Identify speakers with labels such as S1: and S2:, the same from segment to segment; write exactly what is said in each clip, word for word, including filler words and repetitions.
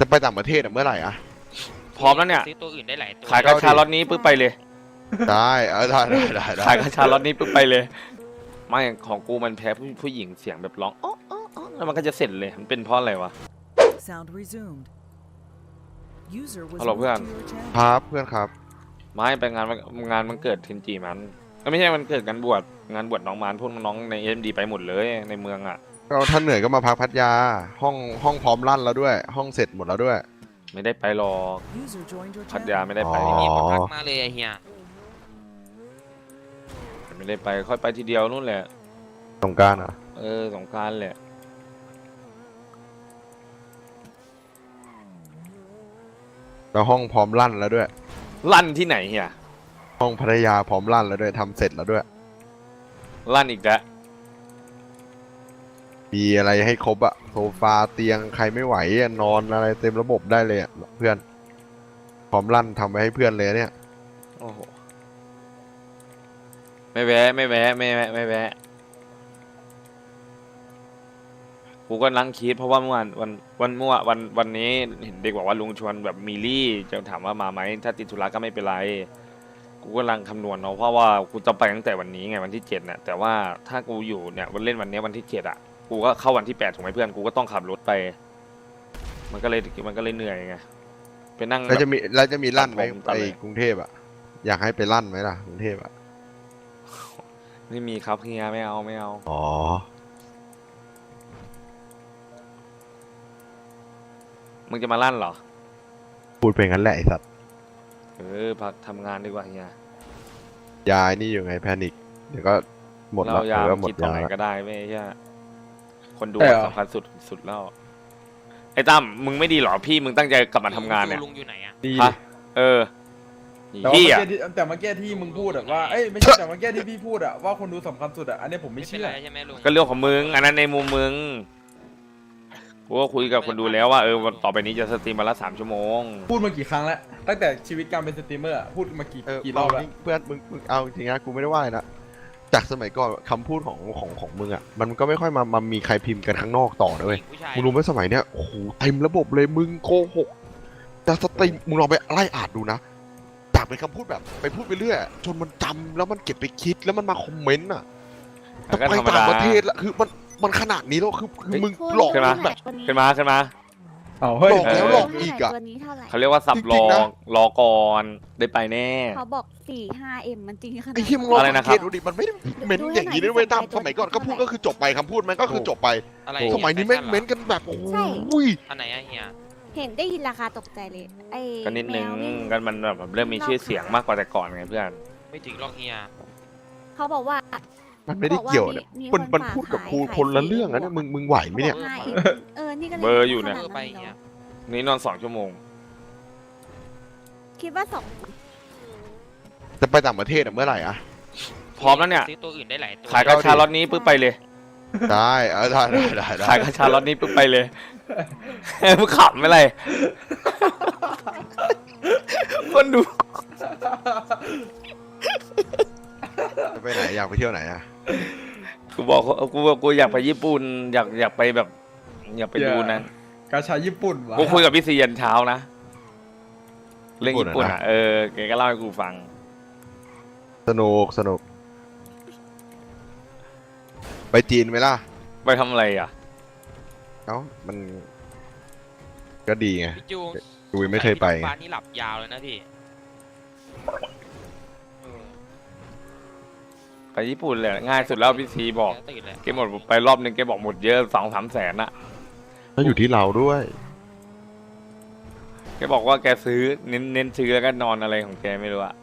S1: จะไปต่างประเทศเมื่อไหร่อะ
S2: พร้อมแล้วเนี่ย
S3: ซื้อตัวอื่นได้หลายตัว
S2: ขายกระชาล็อตนี้ปึ๊บไปเลย
S1: ได้เออได้ได้ได้ได้
S2: ขายกระชาล็อตนี้ปึ๊บไปเลยไม่ของกูมันแพ้ผู้ผู้หญิงเสียงแบบร้องอ๋ออ๋ออ๋อแล้วมันก็จะเสร็จเลยมันเป็นเพราะอะไรวะ
S4: Sound resumed. User was
S2: ฮัลโหล
S4: moved
S2: เพื่อน
S4: to your channel.
S1: ครับเพื่อนครับ
S2: ไม่ไปงานวันงานมันเกิดเทนจีมันไม่ใช่มันเกิดงานบวชงานบวชน้องมันพวกน้องในเอ็มดีไปหมดเลยในเมืองอ่ะ
S1: ก็ท่านเหนื่อยก็มาพักพัทยาห้องห้องพร้อมลั่นแล้วด้วย ห้องเสร็จหมดแล้วด้วย
S2: ไม่ได้ไปหรอก
S4: User joined your
S2: พัทยา
S4: channel.
S2: ไม่ได้ไป
S1: อ๋อ
S3: มีคนทักมาเลยไอ้เฮีย
S2: ไม่ได้ไปค่อยไปทีเดียวนู่นแหละ
S1: สงกรานต์เหรอ
S2: เออสงกรานต์แหละ
S1: แล้วห้องพร้อมลั่นแล้วด้วย
S2: ลั่นที่ไหนเฮีย
S1: ห้องพัทยาพร้อมลั่นแล้วด้วยทำเสร็จแล้วด้วย
S2: ลั่นอีกแล้ว
S1: มีอะไรให้ครบอะโซฟาเตียงใครไม่ไหวอะนอนอะไรเต็มระบบได้เลยอะเพื่อนพร้อมลั่นทำไว้ให้เพื่อนเลยเนี่ย
S2: โอ้โหไม่แวะไม่แวะไม่แวะไม่แวะกูก็นั่งคิดเพราะว่าเมื่อวานวันวันเมื่อวานวันวันนี้เห็นเด็กบอกว่าลุงชวนแบบมิลี่จะถามว่ามาไหมถ้าติดธุระก็ไม่เป็นไรกูก็กำลังคำนวณเนาะเพราะว่ากูจะไปตั้งแต่วันนี้ไงวันที่เจ็ดเนี่ยแต่ว่าถ้ากูอยู่เนี่ยวันเล่นวันนี้วันที่เจ็ดอ่ะกูก็เข้าวันที่แปดถูกไหมเพื่อนกูก็ต้องขับรถไป มันก็เลยมันก็เลยเหนื่อยไงไปนั่ง
S1: แล้วจะมีแล้วจะมีลั่นไหม
S2: ตัดผมตัด
S1: ไป
S2: เลย
S1: กรุงเทพอะอยากให้ไปลั่นไหมล่ะกรุงเทพอะ
S2: ไม่มีครับเฮียไม่เอาไม่เอา
S1: อ๋อ
S2: มึงจะมาลั่นเหรอ
S1: พูดไปงั้นแหละไอ้สัตว์
S2: เออพักทำงานดีกว่าเฮีย
S1: ยายนี่อยู่ไงแพนิคเดี๋ยวก็หมด
S2: เรา
S1: ละ
S2: ยา
S1: เดี๋ยวก็หมด
S2: คิดตรง
S1: ยา
S2: ไหน
S1: ละ
S2: ก็ได้ไม่ใช่คนดู
S5: ใช่เหรอ
S2: สำคัญสุดสุดแล้วไอ้ตั้มมึงไม่ดีเหรอพี่มึงตั้งใจกลับมาทำงานเนี่ย
S3: ลุงอยู่ไหนอะ
S5: ดี
S2: ฮะเออ
S5: แต่ว่า
S2: พี่
S5: เมื่อ
S2: อ่ะ
S5: กี้ที่แต่เมื่อกี้ที่มึงพูดอะว่าเอ้ยไม่ใช่แต่เมื่อกี้ที่พี่พูดอะว่าคนดูสำคัญสุดอะอันนี้ผมไม่
S3: ไม่เป็น
S5: เชื่อ
S3: ไรใช่ไหมลุง
S2: ก็เรื่องของมึงอันนั้นในมุมมึงกูก็คุยกับคนดูแล้วว่าเออวันต่อไปนี้จะสตรีมวันละสามชั่วโมง
S5: พูดมากี่ครั้งแล้วตั้งแต่ชีวิตการเป็นสตรีมเมอร์อะพูดมากี่
S1: เออ
S5: กี่รอบแล้ว
S1: เพื่อนมึงมึงเอาจริงนะกูไม่ได้ว่าเลยนะจากสมัยก่อนคำพูดของของของมึงอะมันก็ไม่ค่อยมามามีใครพิมพ์กันข้างนอกต่อนะเว้ย
S3: ผู้ชาย
S1: มึงรู้ไหมสมัยเนี้ยโอ้โหเต็มระบบเลยมึงโกหกจะสตรีมมึงลองไปไล่อ่านดูนะจากเป็นคำพูดแบบไปพูดไปเรื่อยจนมันจำแล้วมันเก็บไปคิดแล้วมันมาคอมเมนต์อะจะ
S2: ก็
S1: ไป
S2: ธรรม
S1: ต่าง
S2: ดา
S1: ประเทศละคือมันมันขนาดนี้แล้วคือคือมึง
S6: พูด
S1: หลอก
S2: ขึ้นมา
S1: แบบ
S2: ขึ้นมาขึ้นมา
S5: เอาเฮ้ย
S1: หลอกแล้วหลอกอีกอะ
S6: ตัวนี้เท่าไหร่
S2: เขาเรียกว่าสับ
S1: จ
S2: ร
S1: ริ
S2: อง
S1: ๆนะ
S2: รอก่อนได้ไปแน่
S6: เขาบอกสี่ห้าเอ็มมันจริงขนาด
S1: ไอ้ที่มึงลอง
S2: อะไร
S1: สั
S2: นะ
S1: ง
S2: ครั
S1: เก
S2: บ
S1: ตดูดิมันไม่ได้เม้นอย่างนี้ด้วยเว้ยตามสมัยก่อนก็พูดก็คือจบไปคำพูดมันก็คือจบไป
S3: อะไร
S1: สมัยนี้แม่งเม้นกันแบบโอ้ย
S3: อันไหนอะเฮีย
S6: เห็นได้ยินราคาตกใจเลยไอ้
S2: ก็นิดนึง
S6: แมววิ่
S2: กันมันแบบเริ่มมีชื่อเสียงมากกว่าแต่ก่อนไงเพื่อน
S3: ไม่ถึงหรอกเฮีย
S6: เขาบอกว่า
S1: มันไม่ได้เกี่ยวเนี่ย
S6: มี
S1: มัน
S6: คน
S1: มัน
S6: ฝาก
S1: พูดกับ
S6: ขาย
S1: กู
S6: ขาย
S1: คนละ
S6: ฟรี
S1: เรื่องอะเนี่ยมึงมึงไหวไหมเนี่ย
S6: ห้าเอ็มเออนี่ก็ล
S2: เบอร์อยู่เนี่ย
S3: เออ
S6: ขา
S3: ไป
S6: ด
S3: เฮีย
S2: นี่นอนสองชั่วโมง
S6: คิดว่าสอง
S1: จะไปต่างประเทศเมื่อไหร่อะ
S2: พร้อมแล้วเนี่ย
S3: ซื้อตัวอื่นได้หลายตัว
S2: ขายกระชาล็อตนี้ปึ๊บไปเลย
S1: ได้เออได้ได้ได้ได้
S2: ขายกระชาล็อตนี้ปึ๊บไปเลยมึงขำไม่ไรคนดู
S1: จะไปไหนอยากไปเที่ยวไหนอะ
S2: กูบอกเขากูบอกกูอยากไปญี่ปุ่นอยากอยากไปแบบ อยากไปดูนั้น
S5: กาชาญี่ปุ่นวะ
S2: กูคุยกับพี่ซียันเช้านะเรื่องญี่ปุ่นอ่ะเออแกก็เล่าให้กูฟัง
S1: สนุกสนุกไปจีนไหมล่ะ
S2: ไปทำอะไรอ่ะ
S1: เอ้ามันก็ดีไง
S3: พี่จูง
S1: ดูยังไม่เคยไป
S3: บ้านนี่หลับยาวเลยนะพี่
S2: ไปญี่ปุ่นเลยง่ายสุดแล้วพี่ซีบอก
S3: ตื่นเลย
S2: แกหมดไปรอบนึงแกบอกหมดเยอะสองสามแสนอะ
S1: แล้วอยู่ที่เราด้วย
S2: แกบอกว่าแกซื้อเน้นเน้นซื้อแล้วก็นอนอะไรของแกไม่รู้อะ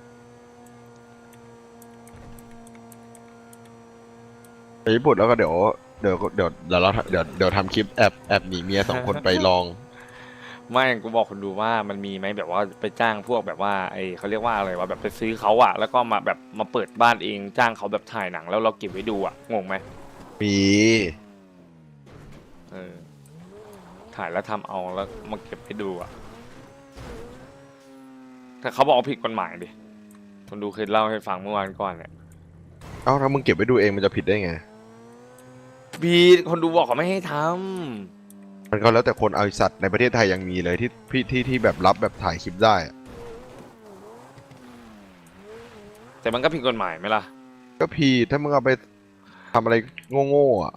S1: ไปญี่ปุ่นแล้วก็เดี๋ยวเดี๋ยวเดี๋ยวเดี๋ยวเราเดี๋ยวเดี๋ยวทำคลิปแอบแอบหนีเมียสองคนไปลอง
S2: ไม่กูบอกคนดูว่ามันมีไหมแบบว่าไปจ้างพวกแบบว่าไอเขาเรียกว่าอะไรวะแบบไปซื้อเขาอะแล้วก็มาแบบมาเปิดบ้านเองจ้างเขาแบบถ่ายหนังแล้วเราเก็บไว้ดูอะงงไหม
S1: มี
S2: เออถ่ายแล้วทำเอาแล้วมาเก็บให้ดูอะแต่เขาบอกว่าผิดกฎหมายดิคนดูเคยเล่าให้ฟังเมื่อวานก่อนเนี่ย
S1: เอ้าถ้ามึงเก็บไว้ดูเองมันจะผิดได้ไง
S2: พีคนดูบอกเขาไม่ให้ท
S1: มันก็แล้วแต่คนเอาไอ้สัตว์ในประเทศไทยยังมีเลยที่ที่ที่ที่แบบรับแบบถ่ายคลิปได้อะ
S2: แต่มันก็ผิดกฎหมายไหมล่ะ
S1: ก็พีถ้ามึงเอาไปทำอะไรโง่ๆอ่ะ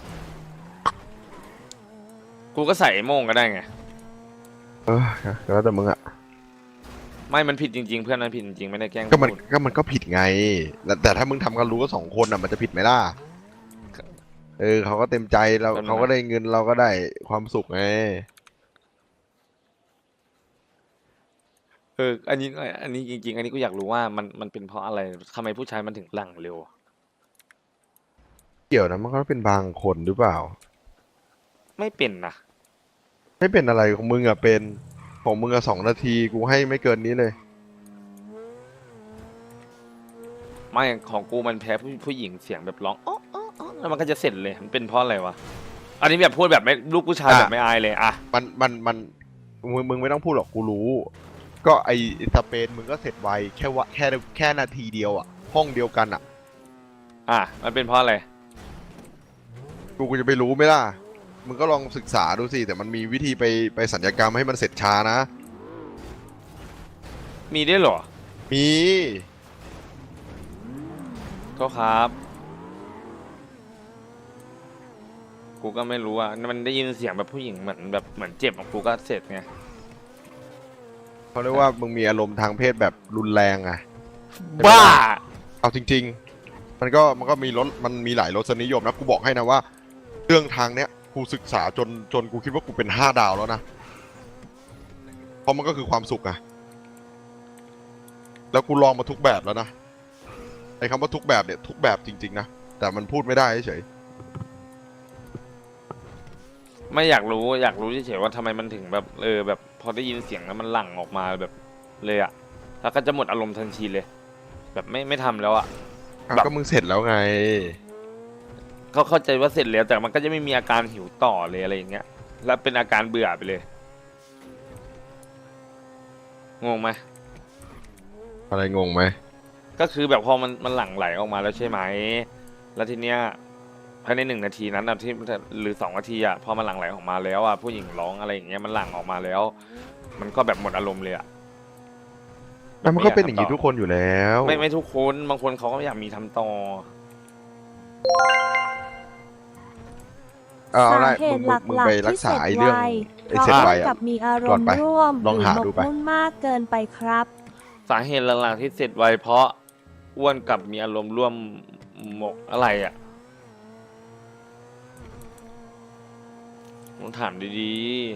S2: กูก็ใส่ไอ้โม่งก็ได้ไง
S1: เออแล้วแต่มึงอ่ะ
S2: ไม่มันผิดจริงๆเพื่อนมันผิดจริงๆไม่ได้แกล้ง
S1: ก็มัน
S2: พูด
S1: ก็มันก็ผิดไงแต่แต่ถ้ามึงทำกันรู้ก็สองคนอ่ะมันจะผิดไหมล่ะเออเขาก็เต็มใจเราเขาก็ได้เงินเราก็ได้ความสุขไง
S2: เอออันนี้อันนี้จริงๆอันนี้กูอยากรู้ว่ามันมันเป็นเพราะอะไรทำไมผู้ชายมันถึงหลั่งเร็ว
S1: เกี่ยวนะมันก็เป็นบางคนหรือเปล่า
S2: ไม่เป็นนะ
S1: ไม่เป็นอะไรของมึงอ่ะเป็นของมึงอ่ะสองนาทีกูให้ไม่เกินนี้เลย
S2: ไม่ของกูมันแพ้ผู้ผู้หญิงเสียงแบบร้องอ๋ออ๋ออ๋อแล้วมันก็จะเสร็จเลยมันเป็นเพราะอะไรวะอันนี้แบบพูดแบบไม่ลูกผู้ชาย
S1: อ่ะ
S2: แบบไม่อายเลยอะ
S1: มันมันมันมึงมึงไม่ต้องพูดหรอกกูรู้ ก็ไอสเปนมึงก็เสร็จไวแค่ว่าแค่แค่นาทีเดียวอ่ะห้องเดียวกันอ่ะ
S2: อ่ะมันเป็นเพราะอะไร
S1: กูกูจะไปรู้ไหมล่ะมึงก็ลองศึกษาดูสิแต่มันมีวิธีไปไปสัญญกรรมให้มันเสร็จช้านะ
S2: มีด้วยเหรอ
S1: มี
S2: โทษครับ กูก็ไม่รู้อ่ะมันได้ยินเสียงแบบผู้หญิงเหมือนแบบเหมือนเจ็บของกูก็เสร็จไง
S1: เขาเรียกว่ามึงมีอารมณ์ทางเพศแบบรุนแรงอ่ะ
S2: บ้า
S1: เอาจริง ๆ มันก็มันก็มีรสมันมีหลายรสนิยมนะกูบอกให้นะว่า เรื่องทางเนี้ยกูศึกษาจนจนกูคิดว่ากูเป็นห้าดาวแล้วนะเพราะมันก็คือความสุขอะแล้วกูลองมาทุกแบบแล้วนะไอ้คำว่าทุกแบบเนี่ยทุกแบบจริงๆนะแต่มันพูดไม่ได้เฉย
S2: ไม่อยากรู้อยากรู้เฉยๆว่าทำไมมันถึงแบบเออแบบพอได้ยินเสียงแล้วมันหลั่งออกมาแบบเลยอ่ะแล้วก็จะหมดอารมณ์ทันทีเลย แบบไม่ไม่ทำแล้วอ่ะ
S1: อ่ะ
S2: แบบ
S1: ก็มึงเสร็จแล้วไง
S2: เขาเข้าใจว่าเสร็จแล้วแต่มันก็จะไม่มีอาการหิวต่อเลยอะไรอย่างเงี้ยแล้วเป็นอาการเบื่อไปเลยงงไหม
S1: อะไรงงไหม
S2: ก็คือแบบพอมันมันหลั่งไหลออกมาแล้วใช่ไหมแล้วทีเนี้ยภายในหนึ่งนาทีนั้นนะที่หรือสองนาทีอ่ะพอมันหลั่งไหลออกมาแล้วอ่ะผู้หญิงร้องอะไรอย่างเงี้ยมันหลั่งออกมาแล้ว มันก็แบบหมดอารมณ์เลยอ่ะ
S1: แล้วมันก็เป็นอย่างนี้ทุกคนอยู่แล้ว
S2: ไม่ไม่ทุกคนบางคนเขาก็อยากมีทำต่อ
S1: เอาเอา
S7: สา
S1: ได้
S7: เห
S1: มึง
S7: ตุ
S1: มึ
S7: ห
S1: งมึง
S7: ลัก
S1: ไป
S7: ๆ
S1: รั
S7: ที่
S1: ก
S7: เส
S1: ษา
S7: ร็จ
S1: ไอ้
S7: ไว
S1: เรื่อง
S7: เพ
S1: ไอ้
S7: ราะ
S1: เสร็จ
S7: อ้
S1: ไว
S7: วน
S1: อะ
S7: กับมีอาร
S1: ก่อ
S7: ม
S1: น
S7: ณ์
S1: ไป
S7: ร่วม
S1: ลองหาดูไป
S7: รือหมกมุ่นมากเกินไปครับ
S2: สาเหตุหลักๆที่เสร็จไวเพราะอ้วนกับมีอารมณ์ร่วมหมกอะไรอ่ะผมถามดี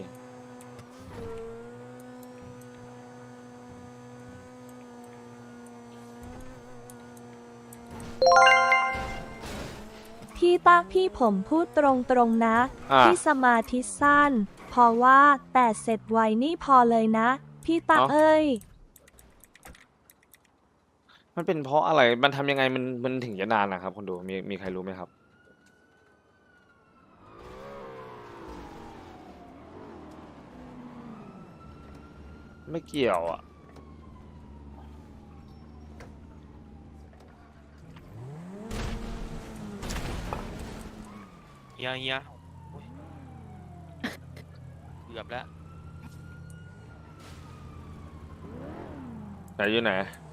S2: ๆ
S7: พี่ตักพี่ผมพูดตรงๆนะ
S2: อ่ะ
S7: พี่สมาธิสั้น เพราะว่าแต่เสร็จไวนี่พอเลยนะ พี่ตัก
S2: เอ้า
S7: เอ้ย
S2: มันเป็นเพราะอะไรมันทำยังไงมันมันถึงจะนานนะครับคนดูมีมีใครรู้ไหมครับ ไม่เกี่ยวอ่ะ
S3: เฮียเฮียโอ๊ยเกือบแล้ว
S2: ไหนอยู่ไหน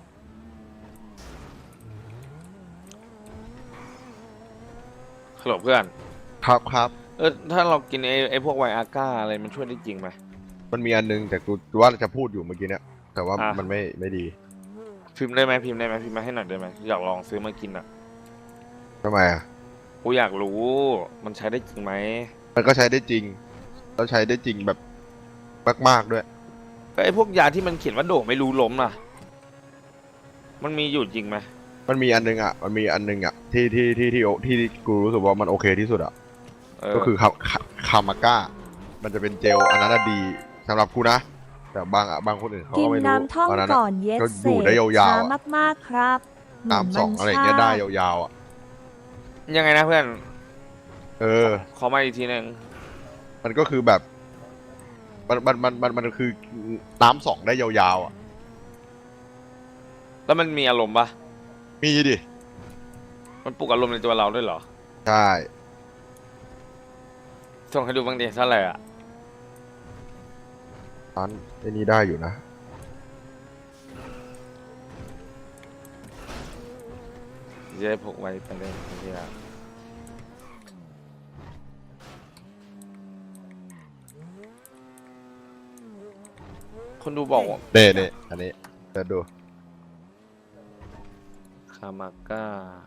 S2: ฮัลโหลเพื่อน
S1: ครับครับ
S2: เออถ้าเรากินไอ้ไอ้พวกไวอาก้าอะไรมันช่วยได้จริงไหม
S1: มันมีอันนึงแต่กูว่าจะพูดอยู่เมื่อกี้เนี้ยแต่ว่า
S2: อ่ะ
S1: มันไม่ไม่ดี
S2: พิมพ์ได้ไหมพิมพ์ได้ไหมพิมพ์มาให้หน่อยได้ไหมอยากลองซื้อมากินอ่ะ
S1: ทำไมอ่ะ
S2: กูอยากรู้มันใช้ได้จริงไหม
S1: มันก็ใช้ได้จริงแล้วใช้ได้จริงแบบมากๆด้วย
S2: ก็ไอ้พวกยาที่มันเขียนว่าโด่ไม่รู้ล้มน่ะ มันมีอยู่จริงไหม
S1: มันมีอันนึงอ่ะมันมีอันนึงอ่ะที่ที่ที่ที่ที่ที่กูรู้สึกว่ามันโอเคที่สุดอ่ะ
S2: เออ
S1: ก็คือคาคาคามาก้ามันจะเป็นเจลอันนั้นอะดีสำหรับกูนะ แต่บางอ่ะบางคนอื่นเขา
S7: กิ
S1: ก็
S7: น
S1: ไม่รู้
S7: น้ำท่อง
S1: อันนั้น
S7: ก่
S1: อะ
S7: อนเย็ด
S1: ก็
S7: เส
S1: อยู่ได้
S7: ร็จ
S1: ยาว
S7: ช้า
S1: ๆอะ
S7: มากๆครับเหมือน
S1: น้ำสอง
S7: มัน
S1: อะไรอย่างเงี้ยได้
S7: ชา
S1: ยาวๆอ่ะ
S2: ยังไงนะเพื่อน
S1: เออ
S2: ขอมาอีกทีหนึ่ง
S1: มันก็คือแบบ มันมันมันมันมันคือน้ำสองได้ยาวๆอ่ะ
S2: แล้วมันมีอารมณ์ปะ
S1: มีดิ
S2: มันปลุกอารมณ์ในตัวเราด้วยเหรอ
S1: ใช่
S2: ส่งให้ดูบ้างดิเท่าไหร่อ่ะ
S1: ร้านไอ้นี่ได้อยู่นะ
S2: จะได้พกไว้ไปเล่นที่ละคนดูบอกว่า
S1: เน่เน่อันนี้เดี๋ยวดู
S2: คามาก้า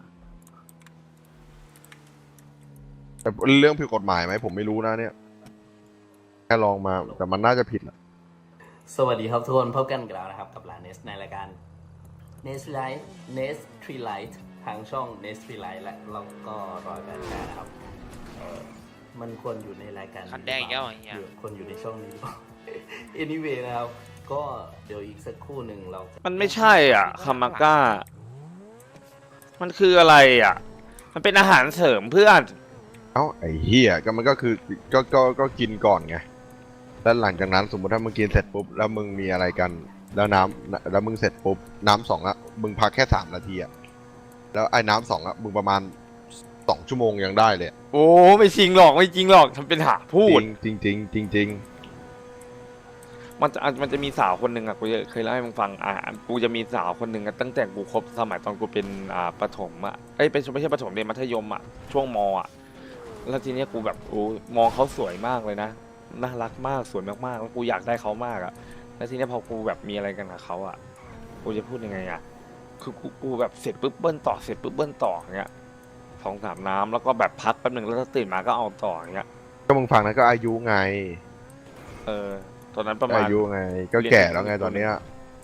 S1: แต่เรื่องผิดกฎหมายไหมผมไม่รู้นะเนี่ยแค่ลองมาแต่มันน่าจะผิดแหละ
S8: สวัสดีครับทุกคนพบกันอีกแล้วนะครับกับร้านเนสในรายการ Nest Light Nest Tree Light ทางช่อง Nest Tree Light และเราก็รอยแบบนี้นะครับเอ่อมันควรอยู่ในรายการ
S3: คันแดงอีกแล้วเหรอเฮีย
S8: หรือควรอยู่ในช่องนี้หรือเปล่า anyway นะครับ ก็เดี๋ยวอีกสักครู่หนึ่งเรา
S2: มันไม่ใช่อ่ะคามาก้า มันคืออะไรอ่ะ มันเป็นอาหารเสริมเพื่อน
S1: เอ้าไอ้เหี้ยก็มันก็คือก็ก็ก็กินก่อนไงแล้วหลังจากนั้นสมมติถ้ามึงกินเสร็จปุ๊บแล้วมึงมีอะไรกันแล้วน้ำแล้วมึงเสร็จปุ๊บน้ำสองอะมึงพักแค่สามนาทีอะแล้วไอ้น้ำสองอะมึงประมาณสองชั่วโมงยังได้เลย
S2: โอ้ไม่จริงหรอกไม่จริงหรอกทำเป็นหาพูด
S1: จริงจริงจริงจริง
S2: มันจะมันจะมีสาวคนหนึ่งอ่ะกูจะเคยเล่าให้มึงฟังอ่ะกูจะมีสาวคนหนึ่งอ่ะตั้งแต่กูคบสมัยตอนกูเป็นอ่าประถมอ่ะเอ้ยเป็นไม่ใช่ประถมเรียนมัธยมอ่ะช่วงมอ่ะแล้วทีเนี้ยกูแบบโอ้มองเขาสวยมากเลยนะน่ารักมากสวยมากๆแล้วกูอยากได้เขามากอ่ะแล้วทีเนี้ยพอกูแบบมีอะไรกันกับเขาอ่ะกูจะพูดยังไงอ่ะคือกูกูแบบเสร็จปุ๊บเบิ้ลต่อเสร็จปุ๊บเบิ้ลต่ออย่างเงี้ยสองสามน้ำแล้วก็แบบพักแป๊บหนึ่งแล้วก็ตื่นมาก็เอาต่ออย่างเงี้ย
S1: ก็มึงฟังนะก็อายุไง
S2: เออตอนนั้นประมาณ
S1: อายุไง ก็แก่แล้วไงตอนเนี้ย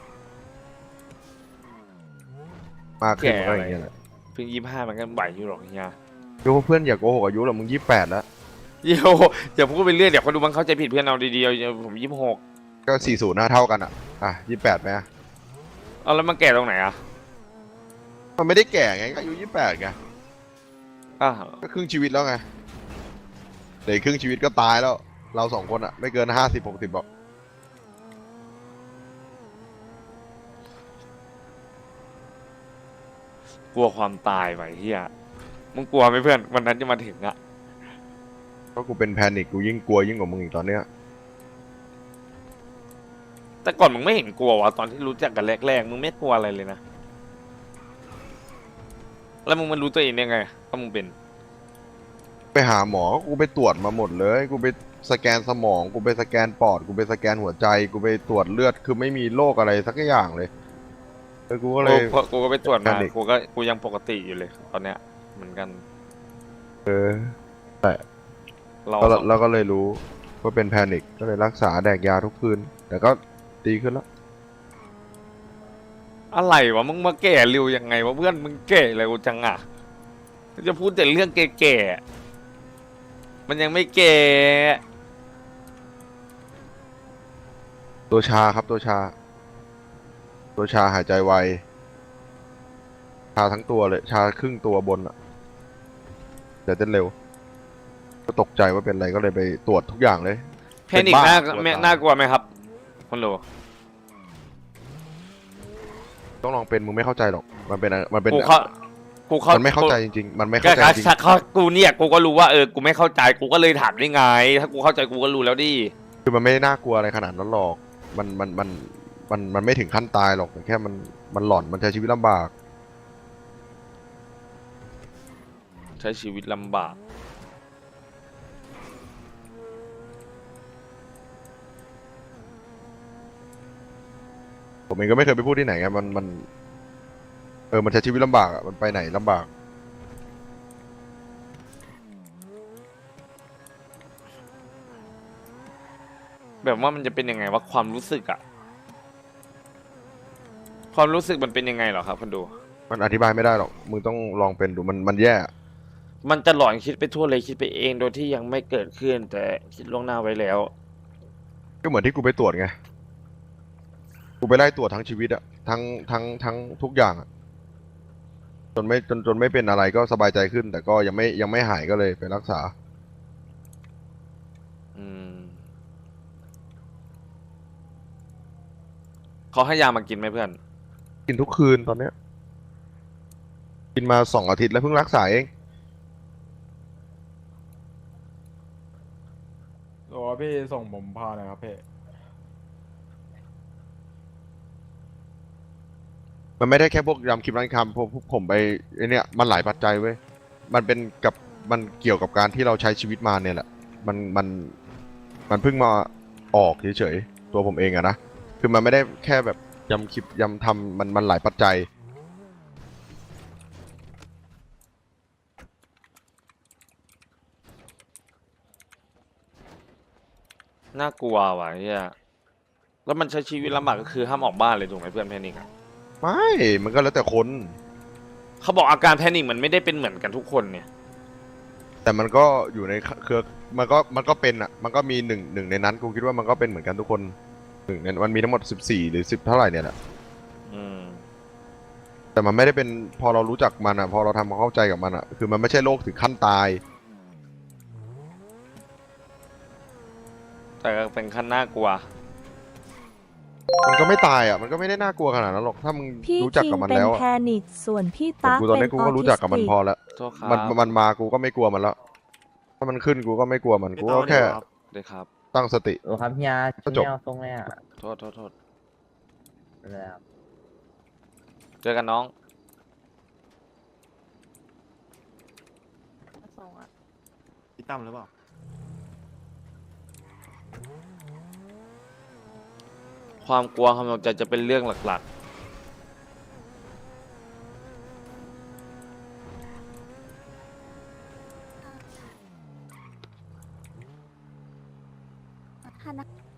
S1: มากขึ้นมันก็อย่างเงี้ยแหละ
S2: เพิ่งยี่ห้ามันก็ไหวอยู่หรอกเฮีย
S1: โยเพื่อนอย่าโกหกอายุหรอกมึงยี่แปดแล้ว
S2: เดี๋ยวอย่าพูดไปเรื่อยเดี๋ยวคนดูมันเข้าใจผิดเพื่อนเอาดีๆผมยี่สิบหก
S1: ก็สี่ศูนย์หน้าเท่ากันอ่ะอ่ะยี่แปดไหมอะ
S2: เอาแล้วมันแก่ตรงไหนอ่ะ
S1: มันไม่ได้แก่ไงก็อายุยี่แปดไง
S2: อ่ะ
S1: ก็ครึ่งชีวิตแล้วไงเดี๋ยวอีกครึ่งชีวิตก็ตายแล้ว เราสองคนอะไม่เกินห้าสิบหกสิบหรอก
S2: กลัวความตายไหมเฮียมึงกลัวไหมเพื่อนวันนั้นจะมาถึงอ่ะ
S1: ก็กูเป็นแพนิคกูยิ่งกลัวยิ่งกว่ามึงอีกตอนเนี้ย
S2: แต่ก่อนมึงไม่เห็นกลัววะตอนที่รู้จักกันแรกๆมึงไม่กลัวอะไรเลยนะแล้วมึงมันรู้ตัวเองได้ไงว่ามึงเป็น
S1: ไปหาหมอกูไปตรวจมาหมดเลย กูไปสแกนสมองกูไปสแกนปอดกูไปสแกนหัวใจกูไปตรวจเลือดคือไม่มีโรคอะไรสักอย่างเลยแล้วกูก็เลย
S2: กูกูก็ไปตรวจมา
S1: แพนิค
S2: กูก็กูยังปกติอยู่เลย ตอนเนี้ยเหมือนกัน
S1: เออ
S2: เรา
S1: แล้ว
S2: สอง
S1: แล้วก็เลยรู้ว่าเป็นแพนิคก็เลยรักษาแดกยาทุกคืน แต่ก็ดีขึ้นแล้ว
S2: อะไรวะมึงมาแก่เร็วยังไงวะเพื่อนมึงแก่เร็วจังอ่ะจะพูดแต่เรื่องแก่ๆมันยังไม่แก่
S1: ตัวชาครับตัวชา ตัวชาหายใจไวชาทั้งตัวเลย ชาครึ่งตัวบนอะแต่เต้นเร็ว ก็ตกใจว่าเป็นอะไรก็เลยไปตรวจทุกอย่างเลย
S2: แพนิคน่า
S1: เป็นบ้า
S2: ไม่น่ากลัวไหมครับคนโหล
S1: ต้องลองเป็นมึงไม่เข้าใจหรอก มันเป็นอะไรมันเป็น
S2: กูเข้ากูเข้า
S1: มันไม่เข้าใจจริงๆ มันไม่
S2: ก็
S1: เข้าใจ
S2: ก็
S1: จริง
S2: ชักเขากูเนี่ยกูก็รู้ว่าเออกูไม่เข้าใจกูก็เลยถามได้ไง ถ้ากูเข้าใจกูก็รู้แล้วดิ
S1: คือมันไม่ได้น่ากลัวอะไรขนาดนั้นหรอก มันมันมันมันมันไม่ถึงขั้นตายหรอกแต่แค่มันมันหลอนมันใช้ชีวิตลำบาก
S2: ใช้ชีวิตลำบาก
S1: ผมเองก็ไม่เคยไปพูดที่ไหนไงมันมันเออมันใช้ชีวิตลำบากอะมันไปไหนลำบาก
S2: แบบว่ามันจะเป็นยังไงว่าความรู้สึกอะความรู้สึกมันเป็นยังไงเหรอครับคนดู
S1: มันอธิบายไม่ได้หรอกมึงต้องลองเป็นดูมันมันแย่
S2: มันจะหลอนคิดไปทั่วเลยคิดไปเองโดยที่ยังไม่เกิดขึ้น แต่คิดล่วงหน้าไว้แล้ว
S1: ก็เหมือนที่กูไปตรวจไงกูไปไล่ตรวจทั้งชีวิตอะทั้งทั้งทั้งทุกอย่างอะจนไม่จนจนไม่เป็นอะไรก็สบายใจขึ้น แต่ก็ยังไม่ยังไม่หายก็เลยไปรักษา
S2: อืมเขาให้ยามากินไหมเพื่อน
S1: กินทุกคืนตอนเนี้ย กินมาสองอาทิตย์แล้วเพิ่งรักษาเอง
S5: โอ้พี่ส่งผมพาหน่อยครับพี่
S1: มันไม่ได้แค่พวกยำคลิปร้านคำพวกพวกผมไปไอเนี่ยมันหลายปัจจัยเว้ยมันเป็นกับมันเกี่ยวกับการที่เราใช้ชีวิตมาเนี่ยแหละมันมันมันเพิ่งมาออกเฉยๆตัวผมเองอะนะคือมันไม่ได้แค่แบบยำคลิปยำทำมันมันหลายปัจจัย
S2: น่ากลัวว่ะเฮียแล้วมันใช้ชีวิตลำบากก็คือห้ามออกบ้านเลยถูกไหมเพื่อนแพนิคอะ
S1: ไม่มันก็แล้วแต่คน
S2: เขาบอกอาการแพนิคมันไม่ได้เป็นเหมือนกันทุกคนเนี่ย
S1: แต่มันก็อยู่ในเครือมันก็มันก็เป็นอ่ะมันก็มีหนึ่งหนึ่งในนั้นกูคิดว่ามันก็เป็นเหมือนกันทุกคนหนึ่งในมันมีทั้งหมดสิบสี่หรือสิบเท่าไหร่เนี่ยแหละ
S2: อืม
S1: แต่มันไม่ได้เป็นพอเรารู้จักมันอ่ะพอเราทำความเข้าใจกับมันอ่ะคือมันไม่ใช่โรคถึงขั้นตาย
S2: แต่ก็เป็นขั้นน่ากลัว
S1: มันก็ไม่ตายอ่ะมันก็ไม่ได้น่ากลัวขนาดนั้นหรอกถ้ามึง
S7: พี่
S1: รู้จัก
S7: คิง
S1: กับมัน
S7: เป็น
S1: แล้ว
S7: แพ
S1: อะ
S7: นิคส่วนพี่
S1: แต่
S7: ตั๊ก
S1: กูตอน
S7: เป็
S1: นี้
S7: น
S1: กู
S7: ออ
S1: ก็รู้
S7: ทิ
S1: จัก
S7: ส
S1: กับมัน
S7: ติก
S1: พอแล้ว
S2: โทษครับ
S1: มันมันมากูก็ไม่กลัวมันแล้วถ้ามันขึ้นกูก็ไม่กลัวมันกูก็แค่
S2: เลยครับ
S1: ตั้งสติ
S9: โอ้ครับเฮีย
S1: ก็จบ
S9: ไม่เอาทรงเลยอ่ะ
S2: โทษโทษโทษ
S9: ไปเลยครับ
S2: เจอกันน้อง
S3: พี่ตั้มหรือเปล่า
S2: ความกลัวความตกใจจะเป็นเรื่องหลัก
S6: ถ้านะ